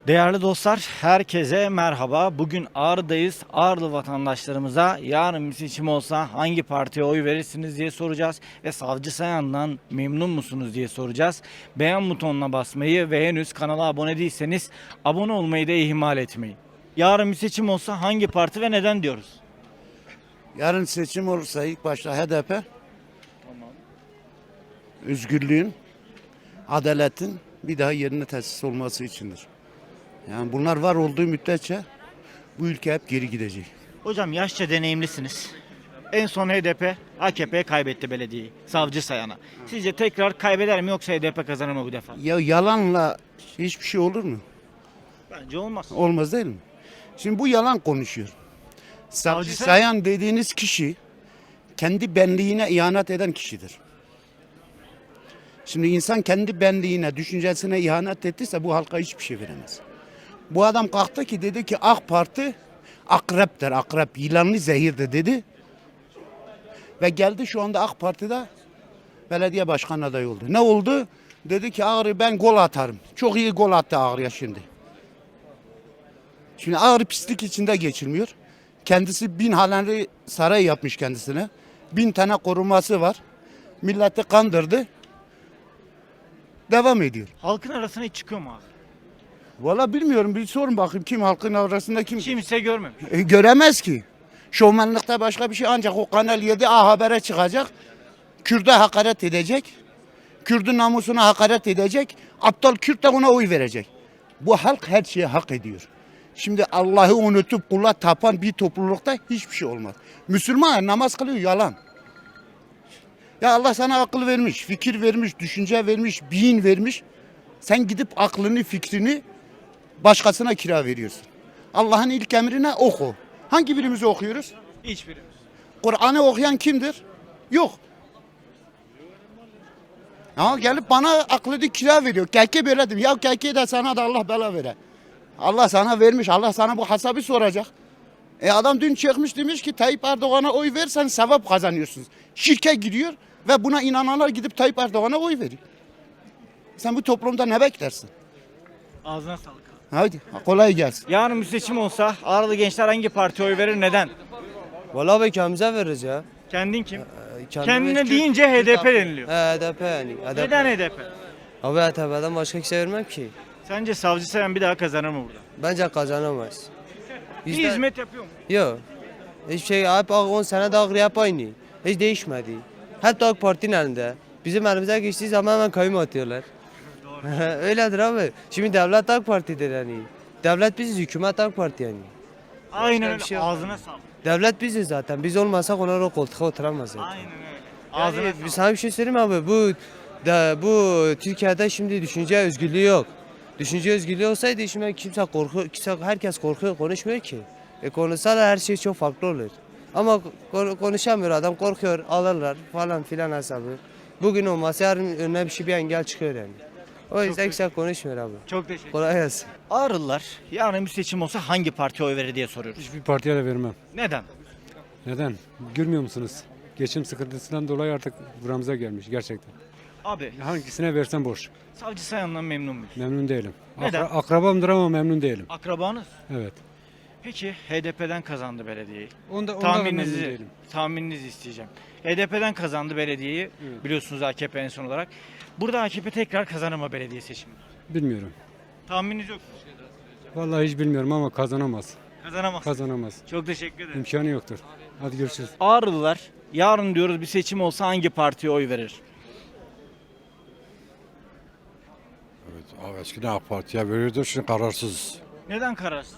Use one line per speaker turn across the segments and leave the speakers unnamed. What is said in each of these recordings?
Değerli dostlar, herkese merhaba. Bugün Ağrı'dayız. Ağrılı vatandaşlarımıza yarın bir seçim olsa hangi partiye oy verirsiniz diye soracağız. Ve Savcı Sayan'dan memnun musunuz diye soracağız. Beğen butonuna basmayı ve henüz kanala abone değilseniz abone olmayı da ihmal etmeyin. Yarın bir seçim olsa hangi parti ve neden diyoruz?
Yarın seçim olursa ilk başta HDP,
Tamam.
özgürlüğün, adaletin bir daha yerine tesis olması içindir. Yani bunlar var olduğu müddetçe bu ülke hep geri gidecek.
Hocam yaşça deneyimlisiniz. En son HDP, AKP'ye kaybetti belediyeyi. Savcı Sayan'a. Sizce tekrar kaybeder mi yoksa HDP kazanır mı bu defa?
Ya yalanla hiçbir şey olur mu?
Bence olmaz.
Olmaz değil mi? Şimdi bu yalan konuşuyor. Savcı
Savcı
Sayan dediğiniz kişi kendi benliğine ihanet eden kişidir. Şimdi insan kendi benliğine, düşüncesine ihanet ettiyse bu halka hiçbir şey veremez. Bu adam kalktı ki dedi ki AK Parti akreptir, akrep, yılanlı zehirdir dedi. Ve geldi şu anda AK Parti'de belediye başkan adayı oldu. Ne oldu? Dedi ki Ağrı ben gol atarım. Çok iyi gol attı Ağrı'ya şimdi. Şimdi Ağrı pislik içinde geçilmiyor. Kendisi 1000 haneli saray yapmış kendisine. 1000 tane koruması var. Milleti kandırdı. Devam ediyor.
Halkın arasına hiç çıkıyor mu abi?
Valla bilmiyorum, bir sorun bakayım kim halkın arasında kim
Kimse görmemiş.
göremez ki. Şovmenlikte başka bir şey, ancak o Kanal 7 A Haber'e çıkacak. Kürt'e hakaret edecek. Kürt'ün namusuna hakaret edecek. Aptal Kürt de ona oy verecek. Bu halk her şeyi hak ediyor. Şimdi Allah'ı unutup kula tapan bir toplulukta hiçbir şey olmaz. Müslüman namaz kılıyor, yalan. Ya Allah sana akıl vermiş, fikir vermiş, düşünce vermiş, beyin vermiş. Sen gidip aklını, fikrini başkasına kira veriyorsun. Allah'ın ilk emrine oku. Hangi birimizi okuyoruz?
Hiçbirimiz.
Kur'an'ı okuyan kimdir? Yok. Ya gelip bana aklını kira veriyor. Keke böyle dedim. Ya keke de sana da Allah bela vere. Allah sana vermiş. Allah sana bu hesabı soracak. Adam dün çıkmış demiş ki Tayyip Erdoğan'a oy versen sevap kazanıyorsunuz. Şirke giriyor ve buna inananlar gidip Tayyip Erdoğan'a oy veriyor. Sen bu toplumda ne beklersin?
Ağzına sağlık.
Hadi kolay gelsin.
Yarın bir seçim olsa Ağrılı gençler hangi partiye oy verir, neden?
Vallahi be kendimize veririz ya.
Kendin kim?
Kendimiz
Kendine
Kürt-
deyince HDP deniliyor.
HDP yani. HDP.
Neden HDP?
Abi HDP'den başka kimse vermem ki.
Sence Savcı Sayan bir daha kazanır mı burada?
Bence kazanamaz.
Bir hizmet yapıyor mu?
Yok. Hiçbir şey hep 10 sene de Ağrı hep aynı. Hiç değişmedi. Hep de AK Parti'nin elinde. Bizim elimize geçtiği zaman hemen kayyum atıyorlar. Öyledir abi. Şimdi devlet AK Parti'dir yani. Devlet biziz, hükümet AK Parti yani.
Aynen
bir
öyle.
şey yok.
Ağzına sağlık.
Devlet biziz zaten. Biz olmasak onlar o koltuğa oturamaz zaten.
Aynen öyle.
Ağzına
Ağzına sağlık.
sana bir şey söyleyeyim mi abi? Bu Türkiye'de şimdi düşünce özgürlüğü yok. Düşünce özgürlüğü olsaydı şimdi herkes korkuyor, konuşmuyor ki. Konuşsalar her şey çok farklı olur. Ama konuşamıyor adam, korkuyor, alırlar falan filan hesabı. Bugün olmasa yarın önüne bir engel çıkıyor yani. O yüzden kimse konuşmuyor abi.
Çok teşekkür ederim.
Kolay gelsin.
Ağrılılar yarın bir seçim olsa hangi partiye oy verir diye soruyoruz.
Hiçbir partiye de vermem.
Neden?
Neden? Görmüyor musunuz? Geçim sıkıntısından dolayı artık buramıza gelmiş gerçekten.
Abi
Hangisine versen boş.
Savcı Sayan'dan memnun muyuz?
Memnun değilim.
Neden?
Akrabamdır ama memnun değilim.
Akrabanız.
Evet.
Peki HDP'den kazandı belediyeyi.
Ondan memnun
Tahmininizi,
değilim.
tahmininizi isteyeceğim. HDP'den kazandı belediyeyi.
Evet.
Biliyorsunuz AKP en son olarak. Burada AKP tekrar kazanır mı belediye seçimi?
Bilmiyorum.
Tahmininiz yok mu?
Vallahi hiç bilmiyorum ama kazanamaz.
Kazanamaz.
Kazanamaz.
Çok teşekkür ederim.
İmkanı yoktur. Hadi görüşürüz.
Ağrılılar yarın diyoruz bir seçim olsa hangi partiye oy verir?
Evet, abi eskiden AK Parti'ye veriyordu, şimdi kararsız.
Neden kararsız?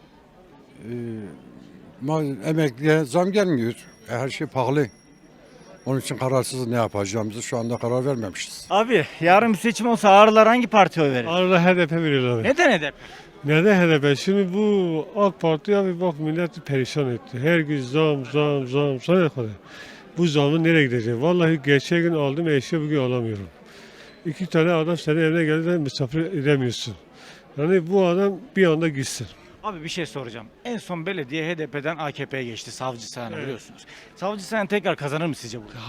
Emekliye zam gelmiyor, her şey pahalı. Onun için kararsız, ne yapacağımızı şu anda karar vermemişiz.
Abi yarın bir seçim olsa Ağrılar hangi partiye oy verir?
Arada HDP veriyorlar.
Neden HDP?
Neden HDP? Şimdi bu AK Parti'ye bir bak milleti perişan etti. Her gün zam sana kadar. Bu zamın nereye gidecek? Vallahi geçen gün aldım eşya bugün alamıyorum. 2 tane adam senin evine geldi de misafir edemiyorsun. Yani bu adam bir anda gitsin.
Abi bir şey soracağım. En son belediye HDP'den AKP'ye geçti. Savcı Sayan'ı biliyorsunuz. Savcı Sayan tekrar kazanır mı sizce burada?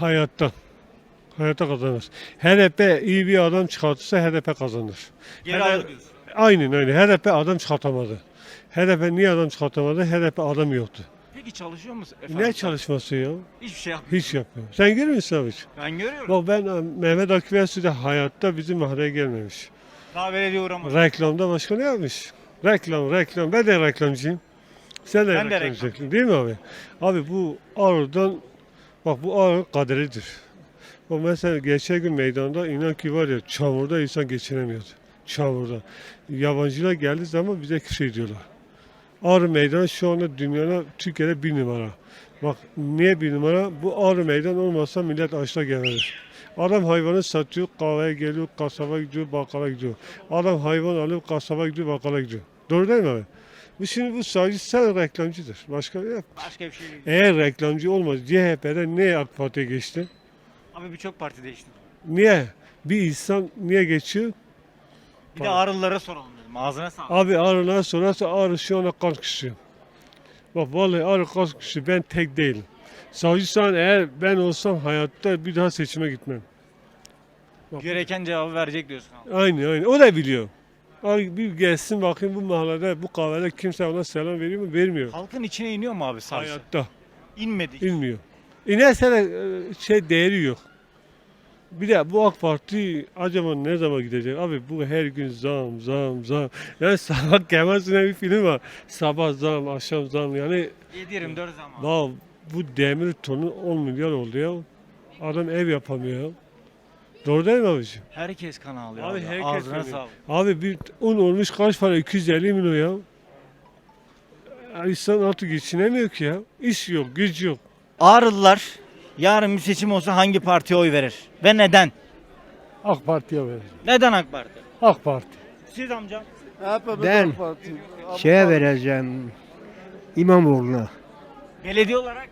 Hayatta kazanır. HDP iyi bir adam çıkartırsa HDP kazanır.
Geri alır diyorsun.
Aynen HDP adam çıkartamadı. HDP niye adam çıkartamadı? HDP adam yoktu.
Peki çalışıyor musun efendim?
Ne çalışması ya?
Hiçbir şey yapmıyor.
Hiç yapmıyor. Sen görmüyor musun abi hiç?
Ben görüyorum.
Bak ben Mehmet Akif Ersoy de hayatta bizim mahalleye gelmemiş.
Daha belediye uğramadı.
Reklamda başka ne yapmış? Reklam. Ben de reklamcıyım. Sen de
Ben de
reklamcısın değil mi abi? Abi bu Ağrı'dan, bak bu Ağrı kaderidir. Bak mesela geçen gün meydanda inan ki var ya çamurda insan geçinemiyordu. Çamurda. Yabancılar geldiği zaman bize küfür ediyorlar. Ağrı Meydanı şu anda dünyada Türkiye'de 1 numara. Bak niye 1 numara? Bu Ağrı Meydan olmazsa millet açla gelir. Adam hayvanı satıyor, kahveye geliyor, kasaba gidiyor, bakkala gidiyor. Adam hayvan alıp kasaba gidiyor, bakkala gidiyor. Doğru değil mi abi? Bu sadece sen reklamcıdır. Başka bir yok.
Başka bir şey değil.
Eğer reklamcı olmaz, CHP'den niye AK Parti'ye geçti?
Abi birçok parti değişti.
Niye? Bir insan niye geçiyor?
Bir de Ağrılılara soralım dedim. Ağzına sağlık.
Abi Ağrı'na sorarsa Ağrı şu anda kan kuşuyor. Bak vallahi Ağrı kan kuşuyor. Ben tek değilim. Savcı Sayan eğer ben olsam hayatta bir daha seçime gitmem. Bak,
Gereken cevabı verecek diyorsun abi.
aynen. O da biliyor. Abi bir gelsin bakayım bu mahallede, bu kahvede kimse ona selam veriyor mu? Vermiyor.
Halkın içine iniyor mu abi savcı?
Hayatta.
İnmedi.
İnmiyor. İnerse de değeri yok. Bir de bu AK Parti acaba ne zaman gidecek? Abi bu her gün zam. Yani sabah Kemal Sunal bir film var. Sabah zam, akşam zam. Yani
7-24 zaman.
daha bu demir tonu 10 milyar oldu ya. Adam ev yapamıyor ya. Doğru değil mi abiciğim?
Herkes kan ağlıyor
Abi
abi.
herkes
Ağzına
kanıyor.
sağlık.
Abi bir un olmuş kaç para? 250 milyon ya. Ya İnsan artık geçinemiyor ki ya. İş yok, güç yok.
Ağrılılar yarın bir seçim olsa hangi partiye oy verir? Ve neden?
AK Parti'ye vereceğim.
Neden AK Parti?
AK Parti.
Siz amcam.
Ben şeye vereceğim İmamoğlu'na.
Belediye olarak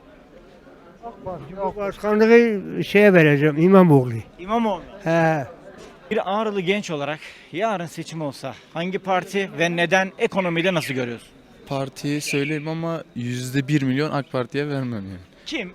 Başkanlığı şeye vereceğim İmamoğlu.
İmamoğlu.
He.
Bir Ağrılı genç olarak yarın seçim olsa hangi parti ve neden ekonomide nasıl görüyorsun?
Partiyi söyleyeyim ama %1 milyon AK Parti'ye vermem yani.
Kim?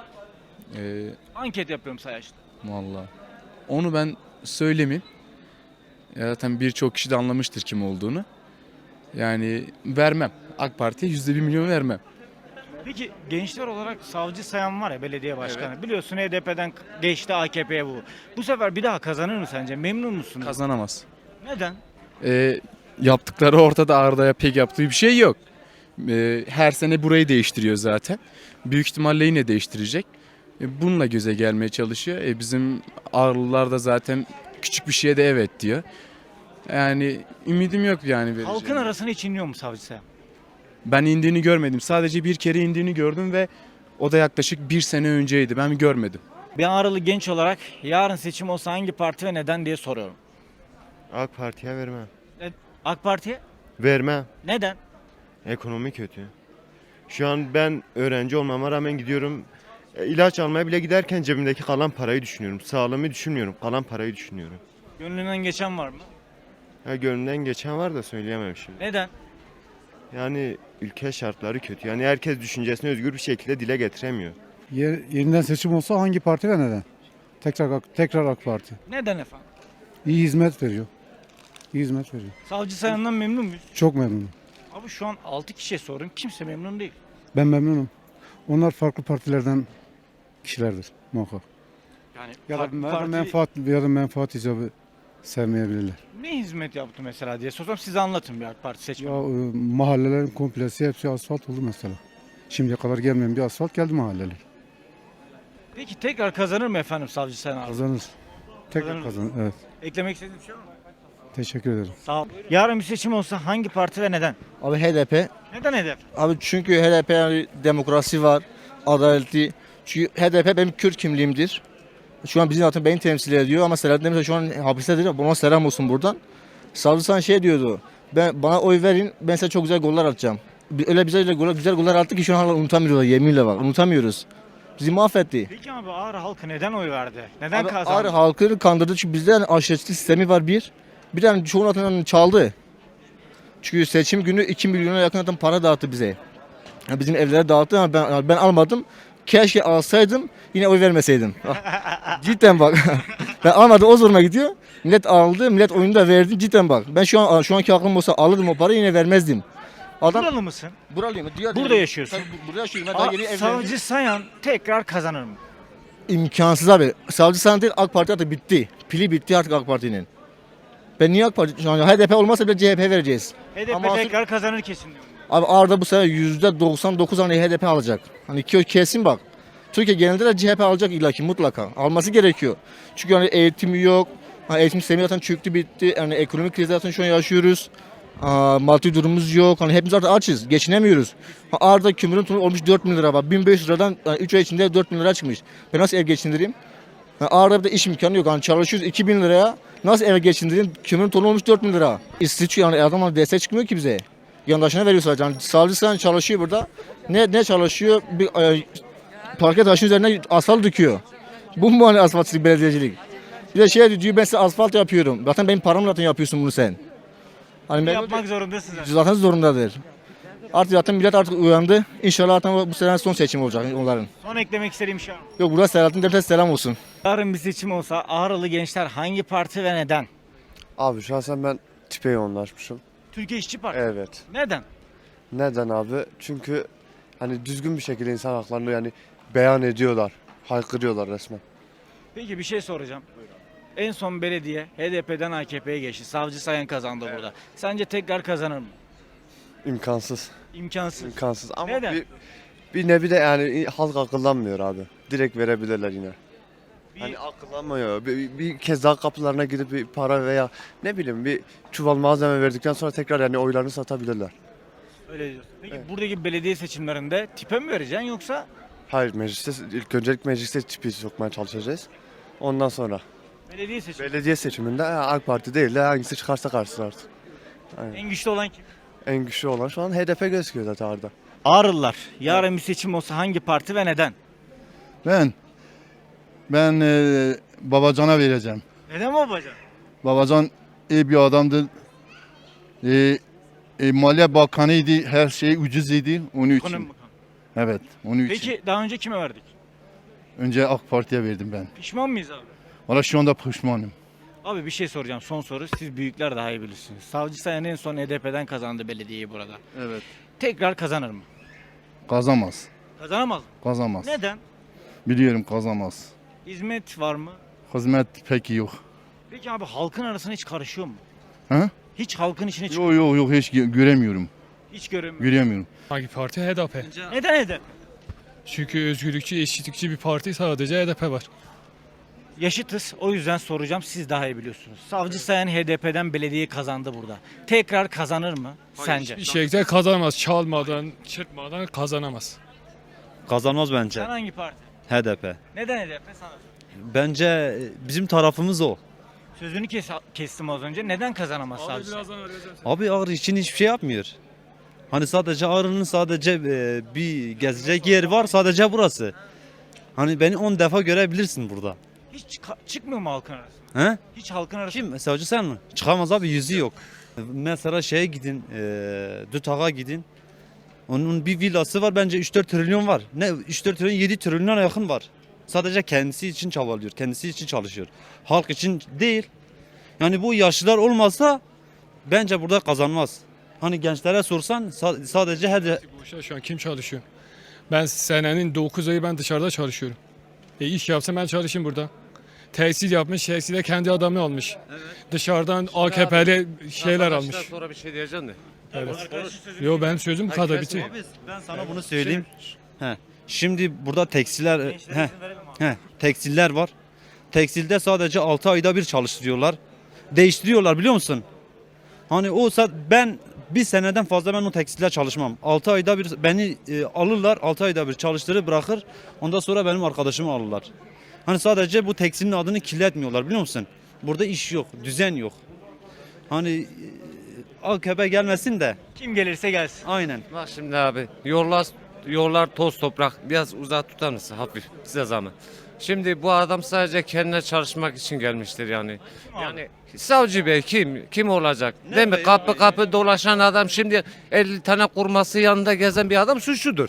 Ee,
Anket yapıyorum sayaçta.
Vallahi. Onu ben söylemeyeyim. Ya zaten birçok kişi de anlamıştır kim olduğunu. Yani vermem. AK Parti'ye %1 milyon vermem.
Peki gençler olarak Savcı Sayan var ya belediye başkanı. Biliyorsun HDP'den geçti AKP'ye bu. Bu sefer bir daha kazanır mı sence? Memnun musun?
Kazanamaz.
Neden?
Yaptıkları ortada, Arda'ya pek yaptığı bir şey yok. Her sene burayı değiştiriyor zaten. Büyük ihtimalle yine değiştirecek. Bununla göze gelmeye çalışıyor. Bizim Ağrılılar da zaten küçük bir şeye de evet diyor. Yani ümidim yok yani.
Halkın
vereceğim.
arasına hiç iniyor mu Savcı Sayan?
Ben indiğini görmedim. Sadece bir kere indiğini gördüm ve o da yaklaşık 1 sene önceydi. Ben görmedim.
Bir Ağrılı genç olarak yarın seçim olsa hangi parti ve neden diye soruyorum.
AK Parti'ye vermem.
AK Parti'ye?
Vermem.
Neden?
Ekonomi kötü. Şu an ben öğrenci olmama rağmen gidiyorum. İlaç almaya bile giderken cebimdeki kalan parayı düşünüyorum. Sağlığımı düşünmüyorum. Kalan parayı düşünüyorum.
Gönlünden geçen var mı?
Gönlümden geçen var da söyleyemem şimdi.
Neden?
Yani ülke şartları kötü. Yani herkes düşüncesini özgür bir şekilde dile getiremiyor.
Yeniden seçim olsa hangi parti ve neden? Tekrar AK Parti.
Neden efendim?
İyi hizmet veriyor. İyi hizmet veriyor.
Savcı Sayan'dan memnun muyuz?
Çok memnunum.
Abi şu an 6 kişiye sorun. Kimse memnun değil.
Ben memnunum. Onlar farklı partilerden kişilerdir muhakkak.
Yani
Ya da menfaat icabı sevmeyebilirler.
ne hizmet yaptı mesela diye sorsam size anlatın bir AK Parti seçmeni.
Ya mahallelerin komplesi hepsi asfalt oldu mesela. Şimdiye kadar gelmeyen bir asfalt geldi mahalleler.
Peki tekrar kazanır mı efendim Savcı Sayan abi?
Kazanır. Tekrar
Kazanır.
kazanır. Evet.
Eklemek istediğiniz bir şey var mı?
Teşekkür ederim.
Sağ ol. Yarın bir seçim olsa hangi parti ve neden?
Abi HDP.
Neden hedef?
Abi çünkü HDP yani demokrasi var, adaletli. Çünkü HDP benim Kürt kimliğimdir. Şu an bizim zaten beni temsil ediyor ama Selahattin Demirtaş şu an hapistedir. Ona selam olsun buradan. Savcı Sayan şey diyordu. Bana oy verin, ben size çok güzel goller atacağım. Öyle güzel goller attı ki şu an hala unutamıyorlar, yeminle bak. Unutamıyoruz. Bizi mahvetti.
Peki abi Ağrı halkı neden oy verdi? Neden
Abi
kazandı?
Ağrı halkını kandırdı çünkü bizde yani aşiretçilik sistemi var bir. Bir tane çoğunun atından çaldı. Çünkü seçim günü 2 milyona yakın adam para dağıttı bize. Yani bizim evlere dağıttı ama ben almadım. Keşke alsaydım yine oy vermeseydim. Cidden bak. Ben almadım o zoruma gidiyor. Millet aldı, millet oyunu da verdi. Cidden bak. Ben şu anki aklım olsa alırdım o parayı, yine vermezdim. Adam
Buralı mısın?
buralıyım.
Burada yaşıyorsun.
Tabii burada yaşıyorum. Ben daha yeni evlendim.
Savcı Sayan tekrar kazanır mı?
İmkansız abi. Savcı Sayan değil, AK Parti artık bitti. Pili bitti artık AK Parti'nin. Ben niye AK Parti? Şu an HDP olmazsa bile CHP vereceğiz.
HDP
Ama
tekrar kazanır kesin diyorum.
Abi Arda bu sefer %99 hani HDP alacak. Hani kesin bak. Türkiye genelinde de CHP alacak illaki mutlaka. Alması gerekiyor. Çünkü hani eğitimi yok. Hani eğitim sistemi zaten çöktü bitti. Yani ekonomik kriz zaten şu an yaşıyoruz. Maddi durumumuz yok. Hani hepimiz artık açız. Geçinemiyoruz. Arda kömürün tonu olmuş 4 bin lira bak. 1500 liradan 3 ay içinde 4 bin lira çıkmış. Ben nasıl ev geçindireyim? Arada bir de iş imkanı yok. Hani çalışıyoruz 2000 liraya. Nasıl ev geçindireyim? Kömürün tonu olmuş 4 bin lira. İstiç yani adamlar destek çıkmıyor ki bize. Yandaşına veriyor sadece. Yani savcı Sayan çalışıyor burada. Ne çalışıyor? Bir parke taşın üzerine asfalt döküyor. Bu mu hani asfaltçılık, belediyecilik? Bir de diyor ben size asfalt yapıyorum. Zaten benim paramla zaten yapıyorsun bunu sen. Hani ben
Yapmak zorundasın zaten.
zaten zorundadır. Artık zaten millet artık uyandı. İnşallah zaten bu sene son seçim olacak onların.
Son eklemek istediğim şey var mı?
Yok burada Selahattin Demirtaş selam olsun.
Yarın bir seçim olsa Ağrılı gençler hangi parti ve neden?
Abi şahsen ben tipe yoğunlaşmışım.
Türkiye İşçi Partisi.
Evet.
Neden?
Neden abi? Çünkü hani düzgün bir şekilde insan haklarını yani beyan ediyorlar. Haykırıyorlar resmen.
Peki bir şey soracağım. En son belediye HDP'den AKP'ye geçti. Savcı Sayan kazandı burada. Sence tekrar kazanır mı?
İmkansız.
İmkansız.
İmkansız. Ama
Neden?
bir nevi de yani halk akıllanmıyor abi. Direkt verebilirler yine.
Bir-
Hani akıllanmıyor. Bir kez daha kapılarına gidip bir para veya ne bileyim bir çuval malzeme verdikten sonra tekrar yani oylarını satabilirler.
Öyle diyorsun. Peki
Evet.
buradaki belediye seçimlerinde tipe mi vereceksin yoksa
Hayır mecliste ilk öncelik mecliste tipi sokmaya çalışacağız. Ondan sonra
belediye seçimi?
belediye seçiminde AK Parti değil de hangisi çıkarsa karşısına artık.
En güçlü olan kim?
En güçlü olan şu an HDP gözüküyor zaten orada.
Ağrılılar. Yarın bir seçim olsa hangi parti ve neden?
Ben Babacan'a vereceğim.
Neden babacan?
Babacan iyi bir adamdı. Maliye Bakanıydı. Her şey ucuz idi. Onun için.
Ekonomi Bakanı.
Evet. Onun için.
Peki daha önce kime verdik?
Önce AK Parti'ye verdim ben.
Pişman mıyız abi?
Valla şu anda pişmanım.
Abi bir şey soracağım, son soru. Siz büyükler daha iyi bilirsiniz. Savcı Sayan en son HDP'den kazandı belediyeyi burada.
Evet.
Tekrar kazanır mı?
Kazamaz.
Kazanamaz mı?
Kazamaz.
Neden?
Biliyorum kazamaz.
Hizmet var mı?
Hizmet pek yok.
Peki abi halkın arasına hiç karışıyor mu?
Ha?
Hiç halkın içine çıkıyor.
Yok hiç göremiyorum.
Hiç göremiyorum.
Göremiyorum.
Hangi parti? HDP.
Neden HDP?
Çünkü özgürlükçü, eşitlikçi bir parti, sadece HDP var.
Yaşıtız. O yüzden soracağım. Siz daha iyi biliyorsunuz. Savcı Sayan HDP'den belediyeyi kazandı burada. Tekrar kazanır mı sence?
Bir şekilde kazanamaz. Çalmadan, çırpmadan kazanamaz.
Kazanmaz bence.
Sen hangi parti?
HDP.
Neden HDP sana?
Bence bizim tarafımız o.
Sözünü kestim az önce. Neden kazanamaz savcı Sayan?
Abi Ağrı için hiçbir şey yapmıyor. Hani sadece Ağrı'nın sadece bir gezecek yer var, sadece burası. Hani beni 10 defa görebilirsin burada.
Hiç çıkmıyor mu halkın arasına?
He?
Hiç halkın arasına.
Kim? Savcı sen mi? Çıkamaz abi, yüzü yok. Mesela şeye gidin, Dütağ'a gidin. Onun bir villası var, bence 3-4 trilyon var. Ne 3-4 trilyon, 7 trilyona yakın var. Sadece kendisi için çabalıyor, kendisi için çalışıyor. Halk için değil. Yani bu yaşlılar olmasa bence burada kazanmaz. Hani gençlere sorsan sadece
Boşa şu an kim çalışıyor? Ben senenin 9 ayı ben dışarıda çalışıyorum. İş yapsam ben çalışayım burada. Tesis yapmış, tesiste kendi adamı almış. Dışarıdan AKP'li şeyler almış.
Sonra bir şey diyeceğim de.
Evet. Yo benim sözüm bu kadar bitti.
Abi ben sana bunu söyleyeyim. Şimdi burada tekstiller tekstiller var. Tekstilde sadece 6 ayda bir çalıştırıyorlar. Değiştiriyorlar biliyor musun? Hani ben bir seneden fazla ben o tekstiller çalışmam. 6 ayda bir beni alırlar, 6 ayda bir çalıştırır bırakır. Ondan sonra benim arkadaşımı alırlar. Hani sadece bu tekstilin adını kirletmiyorlar biliyor musun? Burada iş yok, düzen yok. Hani AKP gelmesin de.
Kim gelirse gelsin.
Aynen.
Bak şimdi abi yollar toz toprak, biraz uzak tutar mısın hafif size zahmet. Şimdi bu adam sadece kendine çalışmak için gelmiştir yani. Yani savcı bey kim olacak? Değil mi? Kapı kapı dolaşan adam şimdi 50 tane kurması yanında gezen bir adam suçludur.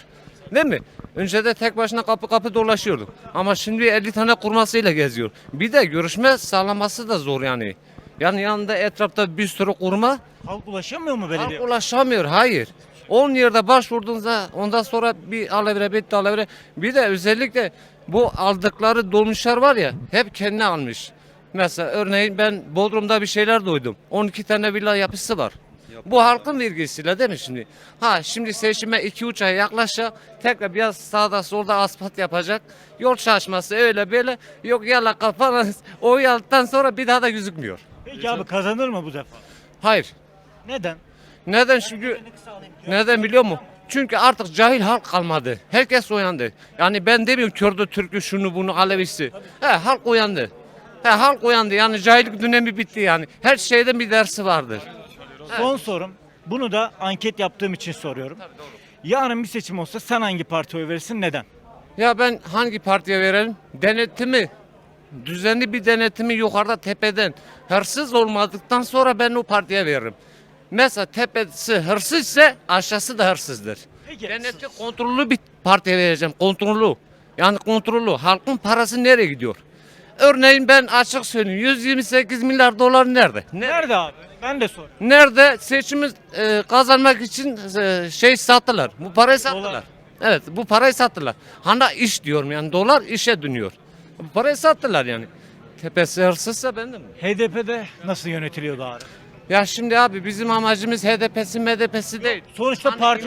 Değil mi? Önce de tek başına kapı kapı dolaşıyordu. Ama şimdi 50 tane kurmasıyla geziyor. Bir de görüşme sağlaması da zor yani. Yani yanında etrafta bir sürü kurma.
Halk ulaşamıyor mu belediye?
Halk ulaşamıyor. Hayır. 10 yerde başvurduğunuzda ondan sonra bir alevre bitti alevre. Bir de özellikle bu aldıkları dolmuşlar var ya hep kendine almış. Mesela örneğin ben Bodrum'da bir şeyler duydum. 12 tane villa yapısı var. Bu halkın vergisiyle değil mi şimdi? Ha şimdi seçime 2-3 ay yaklaşacak. Tekrar biraz sağda solda asfalt yapacak. Yol çalışması öyle böyle. Yok yala kafana oy aldıktan sonra bir daha da gözükmüyor.
Peki abi kazanır mı bu defa?
Hayır.
Neden?
Neden çünkü neden biliyor musun? Çünkü artık cahil halk kalmadı. Herkes uyandı. Yani ben demiyorum Kürdü, Türk'ü, şunu bunu, Alevisi. Halk uyandı. Halk uyandı. Yani cahillik dönemi bitti yani. Her şeyden bir dersi vardır.
Son sorum. Bunu da anket yaptığım için soruyorum. Yarın bir seçim olsa sen hangi partiye oy verirsin? Neden?
Ya ben hangi partiye verelim? Denetimi, düzenli bir denetimi yukarıda tepeden hırsız olmadıktan sonra ben o partiye veririm. Mesela tepesi hırsız ise aşağısı da hırsızdır.
Peki.
Denetli kontrollü bir partiye vereceğim. Kontrollü. Yani kontrollü. Halkın parası nereye gidiyor? Örneğin ben açık söyleyeyim 128 milyar dolar nerede?
Nerede abi? Ben de soruyorum.
Nerede seçimi kazanmak için şey sattılar. Bu parayı sattılar.
Dolar.
Evet bu parayı sattılar. Hani iş diyorum yani dolar işe dönüyor. Bu parayı sattılar yani. Tepesi hırsızsa ben de mi?
HDP'de nasıl yönetiliyordu abi?
Ya şimdi abi bizim amacımız HDP'si MDP'si değil.
Sonuçta parti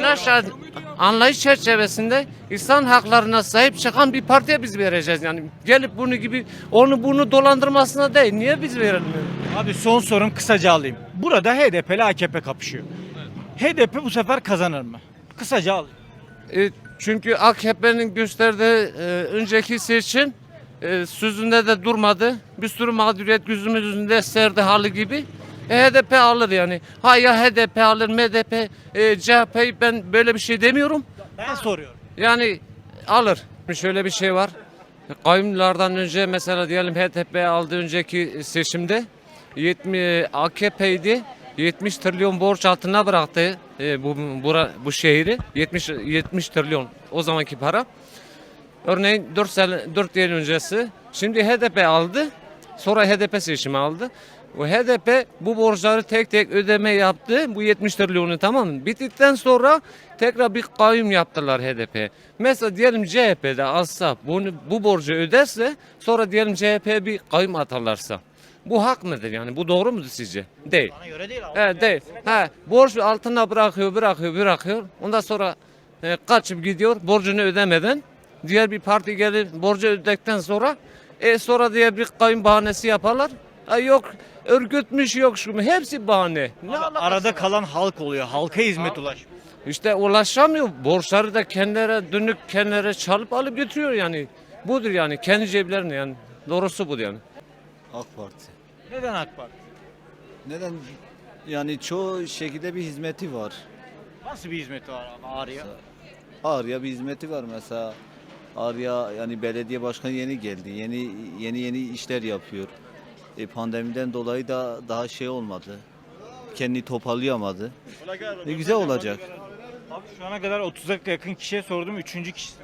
Anlayış çerçevesinde insan haklarına sahip çıkan bir partiye biz vereceğiz yani. Gelip bunu gibi onu bunu dolandırmasına değil. Niye biz verelim?
Abi son sorum kısaca alayım. Burada HDP ile AKP kapışıyor. HDP bu sefer kazanır mı? Kısaca alayım.
Çünkü AKP'nin gösterdiği önceki seçim sözünde de durmadı. Bir sürü mağduriyet gözümüz önünde serdi hali gibi. HDP alır yani. Ha ya HDP alır, MDP, CHP ben böyle bir şey demiyorum.
Ben soruyorum.
Yani alır. Şöyle bir şey var. Kayyumlardan önce mesela diyelim HDP aldığı önceki seçimde 70 AKP'ydi. 70 trilyon borç altına bıraktı bu şehri. 70 trilyon o zamanki para. Örneğin 4 yıl öncesi. Şimdi HDP aldı. Sonra HDP seçimi aldı. O HDP bu borçları tek tek ödeme yaptı. Bu 70 trilyonu tamam mı? Bittikten sonra tekrar bir kayyum yaptılar HDP. Mesela diyelim CHP'de alsa bu borcu öderse sonra diyelim CHP'ye bir kayyum atarlarsa. Bu hak mıdır yani? Bu doğru mudur sizce? Değil.
Bana göre değil abi.
Değil. Borç altına bırakıyor. Ondan sonra kaçıp gidiyor borcunu ödemeden. Diğer bir parti gelir borcu ödedikten sonra sonra diye bir kayyum bahanesi yaparlar. Yok örgütmüş yok şu mu? Hepsi bahane.
Arada kalan halk oluyor. Halka hizmet ulaşmıyor.
İşte ulaşamıyor. Borçları da kendileri çalıp alıp götürüyor yani. Budur yani kendi ceplerine yani. Doğrusu budur yani.
AK Parti.
Neden AK Parti?
Neden? Yani çoğu şekilde bir hizmeti var.
Nasıl bir hizmeti var abi Ağrı'ya?
Ağrı'ya bir hizmeti var mesela. Ağrı'ya yani belediye başkanı yeni geldi. Yeni işler yapıyor. Pandemiden dolayı da daha şey olmadı. Kendini toparlayamadı. Ne güzel olacak.
Abi şu ana kadar 30'a yakın kişiye sordum. 3. kişisin.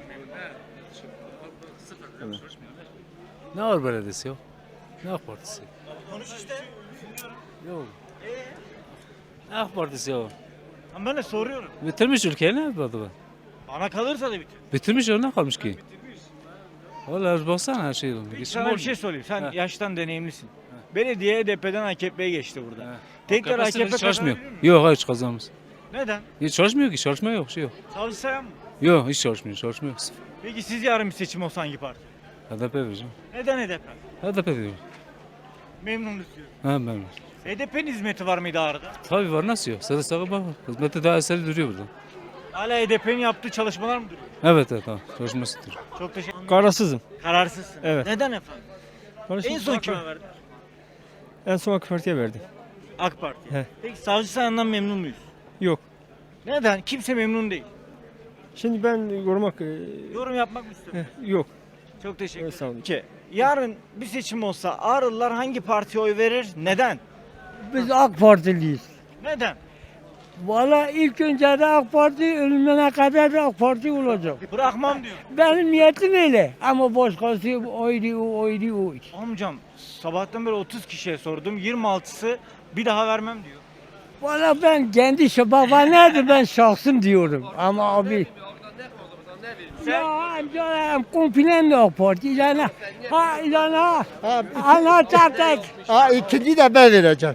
Ne var belediyesi yok? Ne AK Partisi?
Konuş işte.
Yok. AK Partisi yok.
Ama ben de soruyorum.
Bitirmiş ülkeyi ne yapmadı bu?
Bana kalırsa da bitir.
Bitirmiş ne kalmış ki? Vallahi baksana her şey oldu.
Sana bir şey sorayım. Sen yaştan deneyimlisin. Belediye HDP'den AKP'ye geçti burada. Tekrar AKP
çalışmıyor.
kazanabilir mi?
Yok hayır kazanmaz.
Neden?
Hiç çalışmıyor ki çalışma yok şey yok.
Savcı Sayan mı?
Yok hiç çalışmıyor.
Peki siz yarın bir seçim olsa hangi parti?
HDP vereceğim.
Neden HDP?
HDP veriyorum.
Memnunuz diyor.
Ben.
HDP'nin hizmeti var mıydı Ağrı'da?
Tabii var nasıl yok? Sarı sağı bak. Hizmette daha eseri duruyor burada.
Hala HDP'nin yaptığı çalışmalar mı duruyor?
Evet tamam. Çalışması duruyor.
Çok teşekkür ederim.
Kararsızım.
Kararsızsın.
Evet.
Neden efendim? En son kime verdin?
En son AK Parti'ye verdim.
AK Parti.
He.
Peki Savcı Sayan'dan memnun muyuz?
Yok.
Neden? Kimse memnun değil.
Şimdi ben
Yorum yapmak mı istiyorum?
yok.
Çok teşekkür ederim.
Sağ olun.
Ki, yarın bir seçim olsa Ağrılılar hangi partiye oy verir? Neden?
Biz AK Partiliyiz.
Neden?
Valla ilk önce de AK Parti ölümüne kadar da AK Parti olacak.
Bırakmam diyor.
Benim niyetim öyle. Ama başkası oydu.
Amcam sabahtan beri 30 kişiye sordum. 26'sı bir daha vermem diyor.
Valla ben kendi baba nerede ben şahsım diyorum. Ama abi. Ya amca komple AK Parti yana. Ha yana. Ana çarptık.
İkinci de ben vereceğim.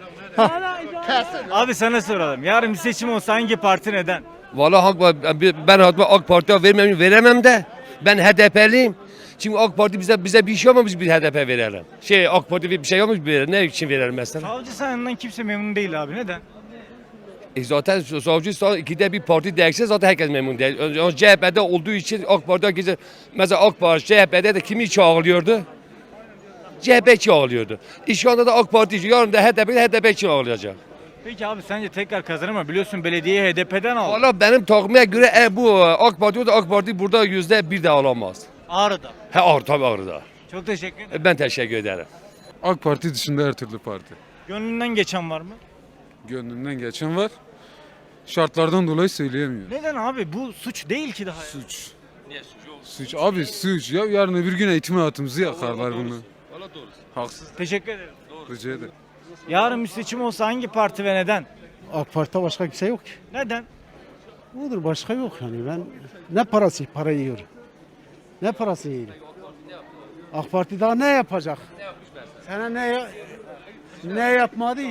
Abi sana soralım. Yarın bir seçim olsa hangi parti neden?
Vallahi ben AK Parti'ye veremem de ben HDP'liyim. Çünkü AK Parti bize bir şey olmamış, biz HDP verelim. AK Parti bir şey olmuş, ne için verelim mesela?
Savcı sayandan kimse memnun değil abi. Neden?
Zaten savcı ikide bir parti değişse zaten herkes memnun değil. CHP'de olduğu için AK Parti'de mesela AK Parti CHP'de de kimi çağırıyordu? CHP çağırıyordu. Şu anda da AK Parti, yarın da HDP çağıracak.
Peki abi sence tekrar kazanır mı? Biliyorsun belediyeyi HDP'den aldı.
Valla benim takvime göre bu AK Parti burada %1 de alamaz.
Ağrı'da.
Tabii Ağrı'da.
Çok teşekkür ederim.
Ben teşekkür ederim.
AK Parti dışında her türlü parti.
Gönlünden geçen var mı?
Gönlümden geçen var. Şartlardan dolayı söyleyemiyorum.
Neden abi? Bu suç değil ki daha.
Suç. Suç abi suç ya. Yarın öbür gün eğitim hayatımızı yakarlar bunu. Haksız.
Teşekkür ederim.
Rica ederim.
Yarın bir seçim olsa hangi parti ve neden?
AK Parti'de başka kimse yok ki.
Neden?
Odur başka yok yani ben para yiyorum. Ne parası yiyorum? AK Parti daha ne yapacak? Sana ne yapmadı?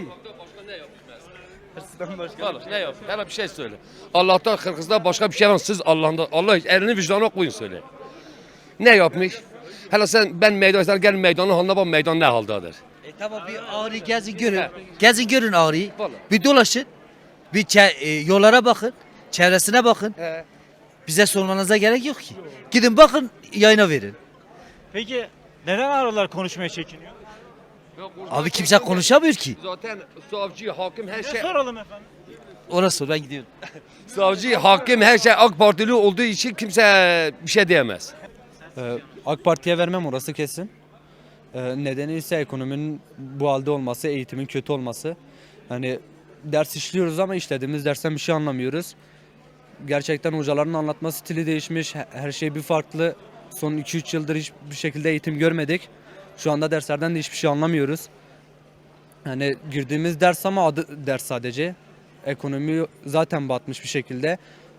Ne yap? Hele bir şey söyle. Allah'tan Kırgız'da başka bir şey var. Siz Allah elini vicdanına koyun söyle. Ne yapmış? Hele ben meydana gel meydanın haline bak, meydan ne haldadır.
Tamam bir Ağrı gezin görün. Gezin görün Ağrı'yı. Bir dolaşın. Yollara bakın. Çevresine bakın. Bize sormanıza gerek yok ki. Gidin bakın yayına verin.
Peki neden Ağrılar konuşmaya çekiniyor?
Abi kimse konuşamıyor ki.
Zaten savcı, hakim her
Ne soralım efendim?
Orası ben gidiyorum.
Savcı, hakim her şey AK Partili olduğu için kimse bir şey diyemez.
AK Parti'ye vermem orası kesin. Nedeni ise ekonominin bu halde olması, eğitimin kötü olması. Hani ders işliyoruz ama işlediğimiz dersten bir şey anlamıyoruz. Gerçekten hocaların anlatma stili değişmiş, her şey bir farklı. Son 2-3 yıldır hiçbir şekilde eğitim görmedik. Şu anda derslerden de hiçbir şey anlamıyoruz. Hani girdiğimiz ders ama adı ders sadece. Ekonomi zaten batmış bir şekilde.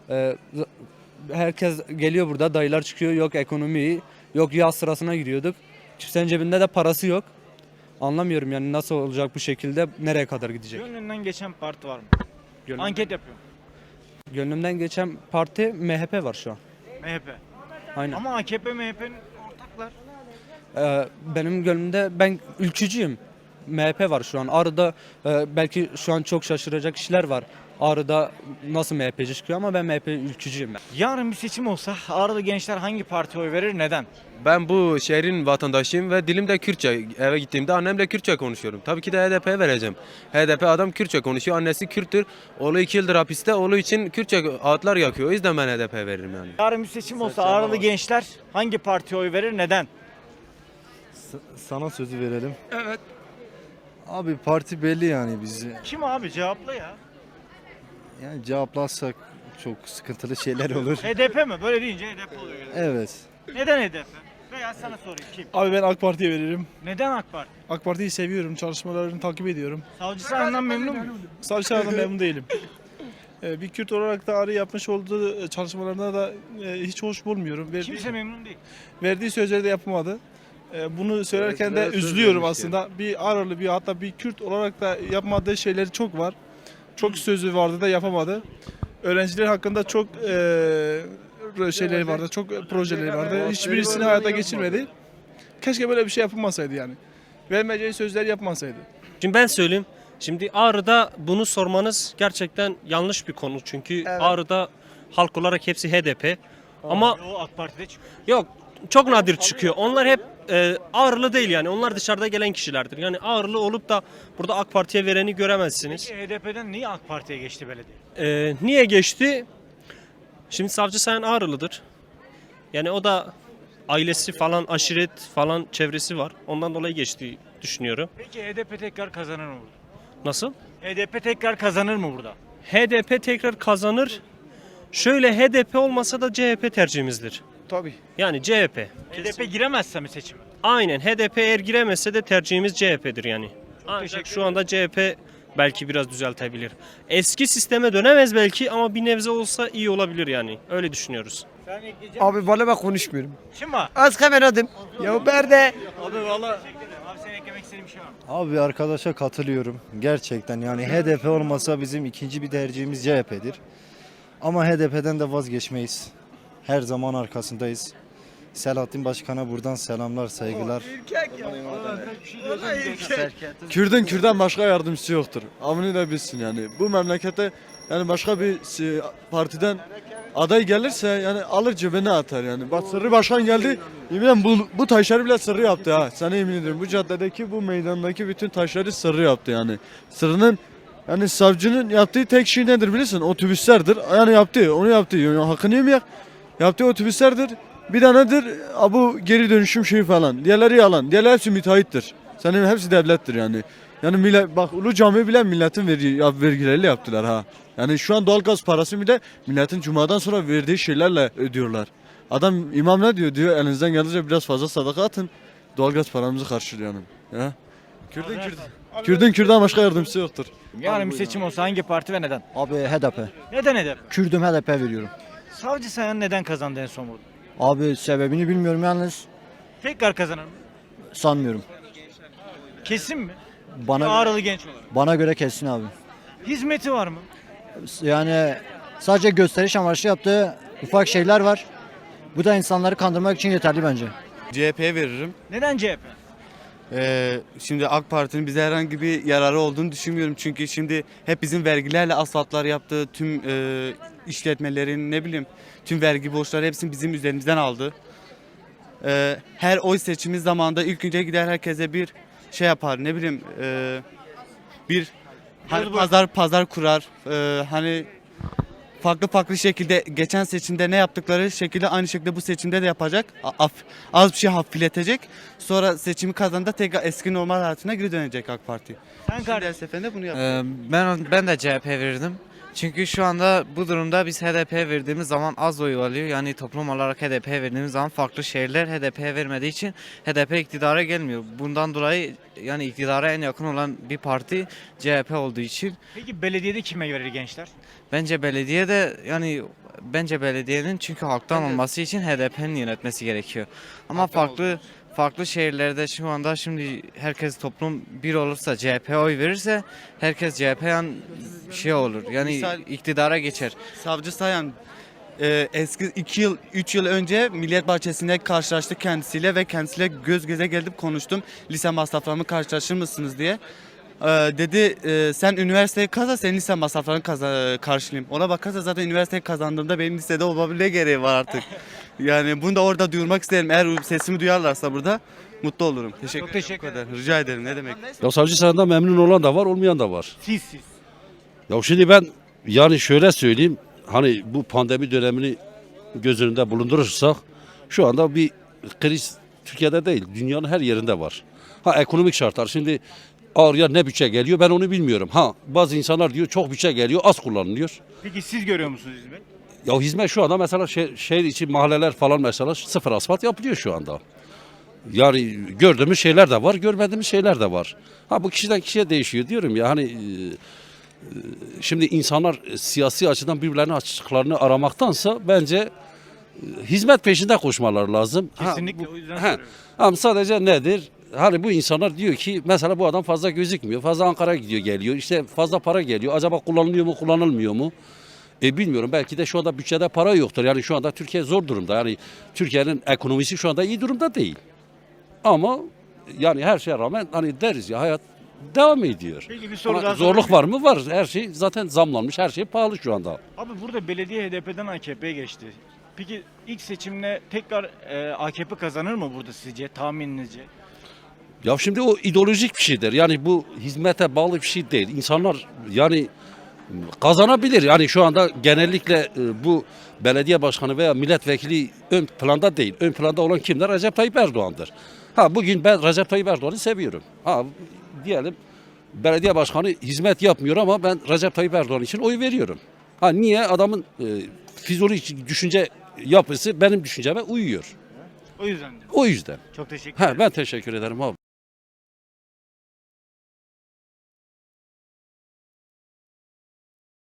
Herkes geliyor burada, dayılar çıkıyor, yok ekonomi, yok yaz sırasına giriyorduk. Kimsenin cebinde de parası yok. Anlamıyorum yani nasıl olacak bu şekilde, nereye kadar gidecek?
Gönlünden geçen parti var mı? Anket yapıyorum.
Gönlümden geçen parti MHP var şu an.
MHP.
Aynen.
Ama AKP MHP'nin ortaklar.
Benim gönlümde ben ülkücüyüm. MHP var şu an. Ağrı'da belki şu an çok şaşıracak kişiler var. Ağrı'da nasıl MHP'ci çıkıyor ama ben MHP ülkücüyüm.
Yarın bir seçim olsa Ağrılı gençler hangi partiye oy verir? Neden?
Ben bu şehrin vatandaşıyım ve dilim de Kürtçe. Eve gittiğimde annemle Kürtçe konuşuyorum. Tabii ki de HDP'ye vereceğim. HDP adam Kürtçe konuşuyor. Annesi Kürttür. Oğlu 2 yıldır hapiste. Oğlu için Kürtçe ağıtlar yakıyor. O yüzden ben HDP'ye veririm yani.
Yarın bir seçim olsa Ağrılı gençler hangi partiye oy verir? Neden?
Sana sözü verelim.
Evet.
Abi parti belli yani bizi.
Kim abi? Cevapla ya.
Yani cevaplarsak çok sıkıntılı şeyler olur.
HDP mi? Böyle deyince HDP oluyor. Yani.
Evet.
Neden HDP? Veya sana sorayım kim?
Abi ben AK Parti'ye veririm.
Neden AK Parti?
AK Parti'yi seviyorum. Çalışmalarını takip ediyorum.
Savcı sayandan memnun muyum?
Savcılardan memnun değilim. Bir Kürt olarak da Ağrı yapmış olduğu çalışmalarına da hiç hoş bulmuyorum.
Kimse memnun değil.
Verdiği sözleri de yapamadı. Bunu söylerken de üzülüyorum aslında. Bir Ağrılı hatta bir Kürt olarak da yapmadığı şeyleri çok var. Çok sözü vardı da yapamadı. Öğrenciler hakkında çok şeyleri vardı, çok projeleri vardı. Hiçbirisini hayata geçirmedi. Keşke böyle bir şey yapılmasaydı yani. Vermeyeceği sözler yapmasaydı.
Şimdi ben söyleyeyim. Şimdi Ağrı'da bunu sormanız gerçekten yanlış bir konu. Çünkü Ağrı'da halk olarak hepsi HDP. Ama
O AK Parti'de çıkıyor.
yok çok nadir çıkıyor. Onlar hep Ağrılı değil yani. Onlar dışarıda gelen kişilerdir. Yani Ağrılı olup da burada AK Parti'ye vereni göremezsiniz.
Peki HDP'den niye AK Parti'ye geçti belediye?
Niye geçti? Şimdi Savcı Sayan Ağrılıdır. Yani o da ailesi falan, aşiret falan çevresi var. Ondan dolayı geçtiği düşünüyorum.
Peki HDP tekrar kazanır mı burada?
Nasıl?
HDP tekrar kazanır mı burada?
HDP tekrar kazanır. Şöyle HDP olmasa da CHP tercihimizdir.
Tabii.
Yani CHP.
HDP giremezse mi seçime?
Aynen HDP eğer giremezse de tercihimiz CHP'dir yani. Ancak
teşekkür
şu anda CHP belki biraz düzeltebilir. Eski sisteme dönemez belki ama bir nebze olsa iyi olabilir yani. Öyle düşünüyoruz.
Sen ekleyeceksin.
Abi valla ben konuşmuyorum.
Kim var?
Az hemen adım. Ya berde.
Abi valla. Abi senin eklemek istediğin bir şey var mı?
Abi arkadaşa katılıyorum. Gerçekten yani HDP olmasa bizim ikinci bir tercihimiz CHP'dir. Ama HDP'den de vazgeçmeyiz. Her zaman arkasındayız. Selahattin Başkan'a buradan selamlar, saygılar.
Kürt'ün Kürt'ten başka yardımcısı yoktur. Amını da bilsin yani. Bu memlekete yani başka bir partiden aday gelirse yani alır cebine atar yani. Bak Sırrı Başkan geldi. Yemin bu taşları bile Sırrı yaptı ha. Sana yemin ediyorum. Bu caddedeki bu meydandaki bütün taşları Sırrı yaptı yani. Sırrı'nın yani savcının yaptığı tek şey nedir bilirsin? Otobüslerdir. Yani yaptı. Onu yaptı. Yani hakkını yemeyek. Yaptığı otobüslerdir. Bir tanedir bu geri dönüşüm şeyi falan. Diğerleri yalan. Diğerleri hepsi müteahhittir. Senin hepsi devlettir yani. Yani millet bak Ulu Cami bile milletin vergileriyle yaptılar ha. Yani şu an doğalgaz parası bile milletin cumadan sonra verdiği şeylerle ödüyorlar. Adam imam ne diyor? Diyor elinizden geldiğince biraz fazla sadaka atın. Doğalgaz paramızı karşılayalım. Ya. Kürt'ün başka yardımcısı yoktur.
Yarın bir seçim olsa hangi parti ve neden?
Abi HDP.
Neden HDP?
Kürdüm HDP veriyorum.
Savcı Sayan neden kazandı en son burada?
Abi sebebini bilmiyorum yalnız
Tekrar kazanır mı?
sanmıyorum.
Kesin mi?
Bana
Ağrılı genç olarak.
bana göre kesin abi.
Hizmeti var mı?
Yani sadece gösteriş amaçlı yaptığı ufak şeyler var. Bu da insanları kandırmak için yeterli bence.
CHP'ye veririm.
Neden CHP?
Şimdi AK Parti'nin bize herhangi bir yararı olduğunu düşünmüyorum. Çünkü şimdi hep bizim vergilerle asfaltlar yaptığı tüm işletmelerin ne bileyim tüm vergi borçları hepsini bizim üzerimizden aldı. Her oy seçimi zamanında ilk önce gider herkese bir şey yapar ne bileyim bir hani pazar kurar. Hani farklı şekilde geçen seçimde ne yaptıkları şekilde aynı şekilde bu seçimde de yapacak. Az bir şey hafifletecek. Sonra seçimi kazanında tekrar eski normal hayatına geri dönecek AK Parti.
Sen kardeş.
Her seferinde bunu yapıyor.
Ben de CHP verirdim. Çünkü şu anda bu durumda biz HDP verdiğimiz zaman az oy alıyor. Yani toplum olarak HDP verdiğimiz zaman farklı şehirler HDP vermediği için HDP iktidara gelmiyor. Bundan dolayı yani iktidara en yakın olan bir parti CHP olduğu için
Peki belediyede kime verir gençler?
bence belediyenin çünkü halktan olması için HDP'nin yönetmesi gerekiyor. Ama farklı şehirlerde şu anda şimdi herkes toplum bir olursa CHP'ye oy verirse herkes CHP'ye şey olur. Yani iktidara geçer.
Savcı Sayan eski 3 yıl önce Millet Bahçesi'nde karşılaştık kendisiyle ve kendisiyle göz göze gelip konuştum. Lise masraflarımı karşılaşır mısınız diye. Dedi sen üniversiteyi kazan senin lise masraflarını karşılayayım. Ona bakarsa zaten üniversiteyi kazandığımda benim lisede olmam ne gereği var artık. Yani bunu da orada duyurmak isterim. Eğer sesimi duyarlarsa burada mutlu olurum.
teşekkür
ederim. Rica ederim. Ne demek?
Ya Savcı Sayan'dan memnun olan da var, olmayan da var.
Siz.
Ya şimdi ben yani şöyle söyleyeyim. Hani bu pandemi dönemini göz önünde bulundurursak şu anda bir kriz Türkiye'de değil, dünyanın her yerinde var. Ekonomik şartlar. Şimdi ağrıya ne bütçe geliyor ben onu bilmiyorum. Bazı insanlar diyor çok bütçe geliyor, az kullanılıyor.
Peki siz görüyor musunuz hizmet?
Ya hizmet şu anda mesela şehir içi mahalleler falan mesela sıfır asfalt yapılıyor şu anda. Yani gördüğümüz şeyler de var, görmediğimiz şeyler de var. Bu kişiden kişiye değişiyor diyorum ya şimdi insanlar siyasi açıdan birbirlerinin açıklarını aramaktansa bence hizmet peşinde koşmaları lazım.
Kesinlikle o yüzden soruyorum.
Ama sadece nedir? Hani bu insanlar diyor ki mesela bu adam fazla gözükmüyor. Fazla Ankara'ya gidiyor geliyor. İşte fazla para geliyor. Acaba kullanılıyor mu kullanılmıyor mu? Bilmiyorum. Belki de şu anda bütçede para yoktur. Yani şu anda Türkiye zor durumda. Yani Türkiye'nin ekonomisi şu anda iyi durumda değil. Ama yani her şeye rağmen hani deriz ya hayat devam ediyor.
Peki bir soru
Ama
daha
zorluk
sorayım.
var mı? Var. Her şey zaten zamlanmış. Her şey pahalı şu anda.
Abi burada belediye HDP'den AKP'ye geçti. Peki ilk seçimle tekrar AKP kazanır mı burada sizce, tahmininizce?
Ya şimdi o ideolojik bir şeydir. Yani bu hizmete bağlı bir şey değil. İnsanlar yani kazanabilir. Yani şu anda genellikle bu belediye başkanı veya milletvekili ön planda değil. Ön planda olan kimler? Recep Tayyip Erdoğan'dır. Bugün ben Recep Tayyip Erdoğan'ı seviyorum. Diyelim belediye başkanı hizmet yapmıyor ama ben Recep Tayyip Erdoğan için oy veriyorum. Ha niye? Adamın fizyolojik düşünce yapısı benim düşünceme uyuyor.
O yüzden.
O yüzden.
Çok teşekkür ederim.
Ben teşekkür ederim abi.